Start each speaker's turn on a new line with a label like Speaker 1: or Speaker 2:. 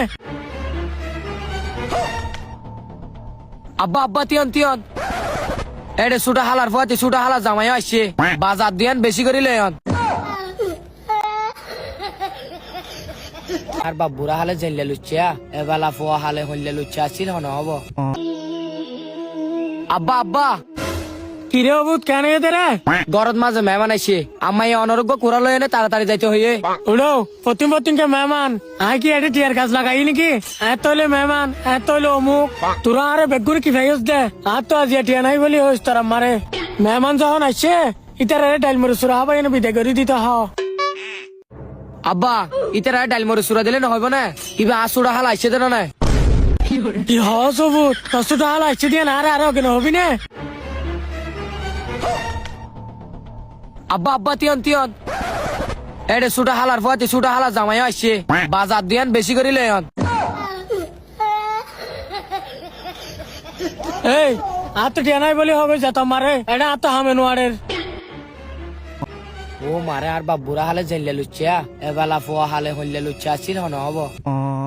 Speaker 1: আব্বা আব্বা Tian Tian এডে সুটা হালার ফুয়াতে সুটা হালা জামাই আসছে বাজার দিয়ান বেশি করে লেয়ন আর বাবুরা হালে জেলে লুচ্ছা এবেলা ফুয়া হালে হইলে লুচ্ছা আসছিল হন হব আব্বা আব্বা
Speaker 2: কিরে অবুত কেন এতে রে?
Speaker 1: গরদ মাঝে মেহমান আইছে আম্মাই অনারোগ্য কুড়ালো এনে তাড়াতাড়ি যাইতে হইয়ে
Speaker 2: উড়ো প্রতিম কে মেহমান আয় কি এটা টিয়ার কাজ লাগাই নাকি? এত হইলে মেহমান এত হইলে অমুক তোরা আরে বেগুর কি ভাইস দে আর তো আজ টিয়া নাই বলি হইস তোরা মারে মেহমান যখন আসছে ইতারে ডাইল মরে সুরা হবাই এনে বিদায় করে দিতে হ
Speaker 1: আব্বা ইতারা ডাইল মরে সুরা দিলে না হইব না কিবা আসুরা হাল আইছে দেন না
Speaker 2: কি হস অবুত কষ্টটা হাল আসছে দিয়ে না আরে কেন হবি না?
Speaker 1: আব্বা আব্বা তিয়ান তিয়ান এডে সুটা হালার ফুয়াতে সুটা হালা জামাই আসছে বাজার দিয়ান বেশি করে লেয়ন
Speaker 2: এই আর তো টিয়া নাই বলি হবে যা মারে এটা আর তো হামে নোয়ারের
Speaker 1: ও মারে আর বাবুরা হালে জেলে লুচ্ছা এবেলা ফুয়া হালে হইলে লুচ্ছা আসছিল হন হব